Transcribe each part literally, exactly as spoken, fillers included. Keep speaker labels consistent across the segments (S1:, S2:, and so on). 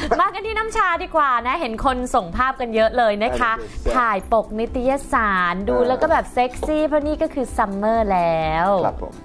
S1: มากันที่น้ำชาดีกว่านะเห็นคนส่งภาพกันเยอะเลยนะคะถ่ายปกนิตยสารดูแล้วก็แบบเซ็กซี่เพราะนี่ก็คือซัมเมอร์แล้ว
S2: ครับผม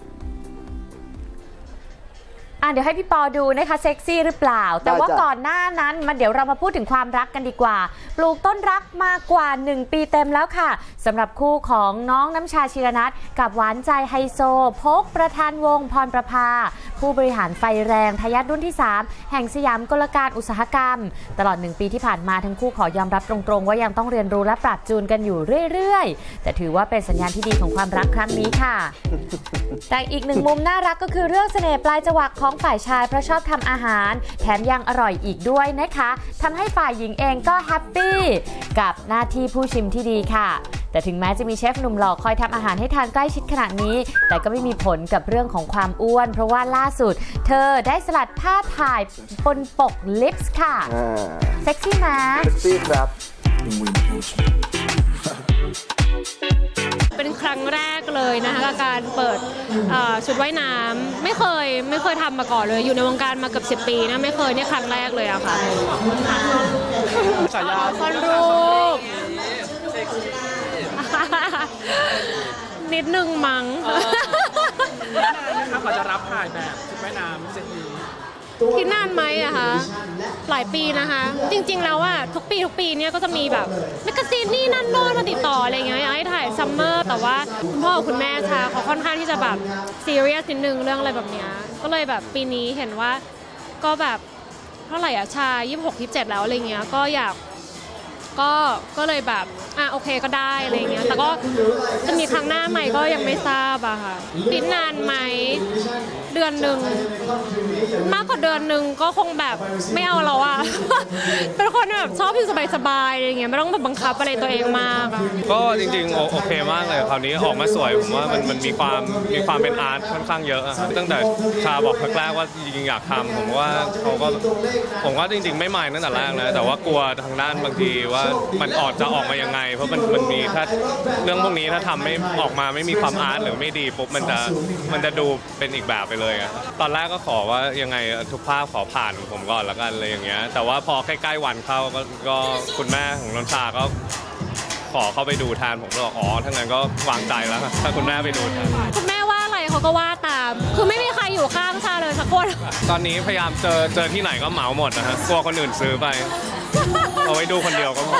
S1: อ่ะเดี๋ยวให้พี่ปอดูนะคะเซ็กซี่หรือเปล่าแต่ว่าก่อนหน้านั้นมาเดี๋ยวเรามาพูดถึงความรักกันดีกว่าปลูกต้นรักมากกว่าหนึ่งปีเต็มแล้วค่ะสำหรับคู่ของน้องน้ำชาชีรนัทกับหวานใจไฮโซพกประธานวงพรประภาผู้บริหารไฟแรงทายาทรุ่นที่สามแห่งสยามกลการอุตสาหกรรมตลอดหนึ่งปีที่ผ่านมาทั้งคู่ขอยอมรับตรงๆว่ายังต้องเรียนรู้และปรับจูนกันอยู่เรื่อยๆแต่ถือว่าเป็นสัญญาณที่ดีของความรักครั้งนี้ค่ะแต่อีกหนึ่งมุมน่ารักก็คือเรื่องเสน่ห์ปลายจวักของฝ่ายชายเพราะชอบทำอาหารแถมยังอร่อยอีกด้วยนะคะทำให้ฝ่ายหญิงเองก็แฮปปี้กับหน้าที่ผู้ชิมที่ดีค่ะแต่ถึงแม้จะมีเชฟหนุ่มหล่อคอยทำอาหารให้ทานใกล้ชิดขนาดนี้แต่ก็ไม่มีผลกับเรื่องของความอ้วนเพราะว่าล่าสุดเธอได้สลัดผ้าถ่ายบนปกลิปส์ค่ะเซ็กซี่นะ
S2: เซ็กซี่ครับ
S3: เป็นครั้งแรกเลยนะคะกับการเปิดชุดว่ายน้ำไม่เคยไม่เคยทำมาก่อนเลยอยู่ในวงการมาเกือบสิบปีนะไม่เคยนี่ครั้งแรกเลยอะค่ะ
S4: ฉายา
S3: คอนรูปนิดนึงมั้ง
S4: ถ้าเขาจะรับถ่ายแบบชุดว่ายน้ำเซ็กซี่
S3: คิดนานไหมอะคะหลายปีนะคะจริงๆแล้วอะทุกปีทุกปีเนี่ยก็จะมีแบบแมกกาซีนนี่นั่นโน่นมาติดต่ออะไรเงี้ยอยากให้ถ่ายซัมเมอร์แต่ว่าคุณพ่อคุณแม่ชาเขาค่อนข้างที่จะแบบซีเรียสนิดนึงเรื่องอะไรแบบเนี้ยก็เลยแบบปีนี้เห็นว่าก็แบบเท่าไหร่อะชายี่สิบหก ยี่สิบเจ็ดแล้วอะไรเงี้ยก็อยากก็ก็เลยแบบอ่ะโอเคก็ได้อะไรเงี้ยแต่ก็จะมีครั้งหน้าใหม่ก็ยังไม่ทราบอะค่ะปิดนานไหมเดือนหนึ่งมากกว่าเดือนหนึ่งก็คงแบบไม่เอาแล้วอะ เป็นคนแบบชอบอยู่สบายๆอะไรเงี้ยไม่ต้องแบบบังคับอะไรตัวเองมากอะ
S4: ก็จริงๆโอเคมากเลยคราวนี้ออกมาสวยผมว่ามันมันมีความมีความเป็นอาร์ตค่อนข้างเยอะตั้งแต่ชาบอกแรกๆว่าจริงๆอยากทำผมว่าเขาก็ผมว่าจริงๆไม่หมายตั้งแต่แรกนะแต่ว่ากลัวทางด้านบางทีว่ามันออกจะออกมายังไงเพราะมันมันมีถ้าเรื่องพวกนี้ถ้าทำไม่ออกมาไม่มีความอาร์ตหรือไม่ดีปุ๊บมันจะมันจะดูเป็นอีกแบบไปเลยอะตอนแรกก็ขอว่ายังไงทุกภาพขอผ่านผมก่อนแล้วกันอะไรอย่างเงี้ยแต่ว่าพอใกล้ๆวันเข้าก็ก็คุณแม่ของนนชาก็ขอเข้าไปดูแทนผมก็บอกอ๋อถ้างั้นก็วางใจแล้วถ้าคุณแม่ไปดูแทน
S3: คุณแม่ว่าอะไรเขาก็ว่าตามคือไม่มีใครอยู่ข้างชาเลยสักคน
S4: ตอนนี้พยายามเจอเจอที่ไหนก็เหมาหมดนะฮะกลัวคนอื่นซื้อไปเอาไว้ดูคนเดียวก็พอ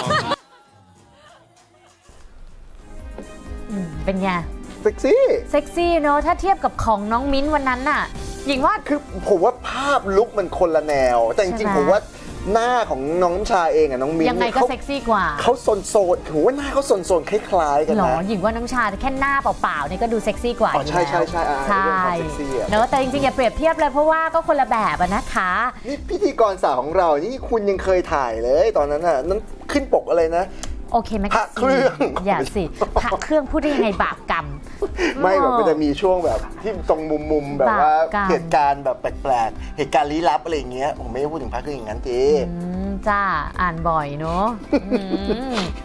S1: เป็นไง
S2: เซ็กซี่
S1: เซ็กซี่เนอะถ้าเทียบกับของน้องมิ้นวันนั้นน่ะหญิงว่า
S2: คือผมว่าภาพลุคมันคนละแนวแต่จริงๆผมว่าหน้าของน้องน้ำชาเองอะน้องมิ้น
S1: ยังไงก็เซ็กซี่กว่า
S2: เขาโซนโซนผมว่าหน้าเขาโซนโซนคล้ายๆกันนะ
S1: หรอหญิงว่าน้ำชาแค่หน้าเปล่าๆเนี่ยก็ดูเซ็กซี่กว่า
S2: ใช่ใช่ใช่
S1: ใช่เนอะแต่จริงๆอย่าเปรียบเทียบเลยเพราะว่าก็คนละแบบนะคะ
S2: นี่พิธีกรสาวของเรานี่คุณยังเคยถ่ายเลยตอนนั้นน่ะนั้นขึ้นปกอะไรนะ
S1: โอเคไหม
S2: พระเครื่อง
S1: อย่าสิพระเครื่องพูดได้ยังไงบาปกรรม
S2: ไม่แบบมันจะมีช่วงแบบที่ตรงมุมๆแบบว่าเหตุการณ์แบบแปลกๆเหตุการณ์ลี้ลับอะไรอย่างเงี้ยผมไม่ได้พูดถึงพระเครื่องอย่างนั้นที
S1: จ้าอ่านบ่อยเนาะ